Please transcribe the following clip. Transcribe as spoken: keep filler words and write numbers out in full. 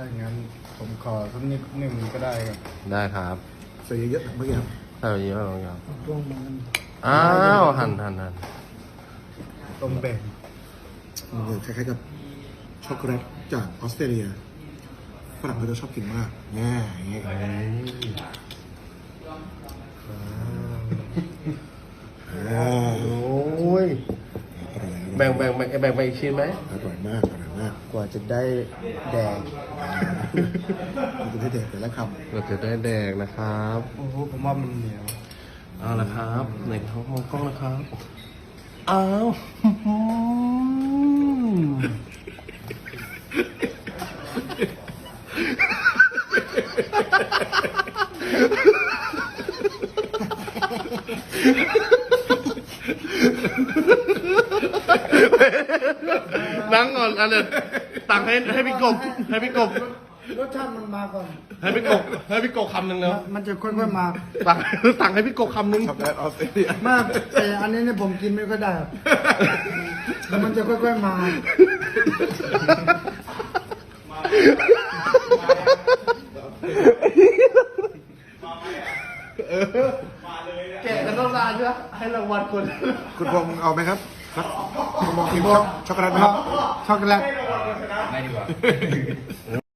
ถ้าอย่างนั้นผมขอสักนิดหนึ่งก็ได้ครับได้ครับใส่เยอะๆเมื่อกี้ครับใส่เยอะบางอย่างต้มมันอ้าวหั่นหั่นหั่นต้มแบ่งมันคล้ายๆกับช็อกโกแลตจากออสเตรเลียฝรั่งเขาจะชอบกินมากแง่อย่างเงี้ยอ่าโอ้ยอร่อยแบ่งแบ่งแบ่งแบ่งไปอีกชิ้นไหมอร่อยมากอร่อยมากกว่าจะได้แดงมันจะได้เด็ดแต่ละคเราจะได้แดกนะครับโอ้โหผมว่ามันเหนียวเอาละครับในท้องมองกล้องนะครับอ้าวนั่งก่อนอันเนี้ยตักให้ให้พี่กบให้พี่กบรสชาติมันมาก่อนให้พี่กบให้พี่กบคำหนึ่งแล้วมันจะค่อยๆมาตักตักให้พี่กบคำหนึ่งำช็อกโกแลตออสเตรเลียมากแต่อันนี้เนี่ยผมกินไม่ค่อยได้ครับแต่มันจะค่อยๆมาแกะกันต้องนานใช่ไหมให้รางวัลคนคุณพงษ์เอาไหมครับครับคุณพงษ์กินช็อกโกแลตไหมครับช็อกโกแลต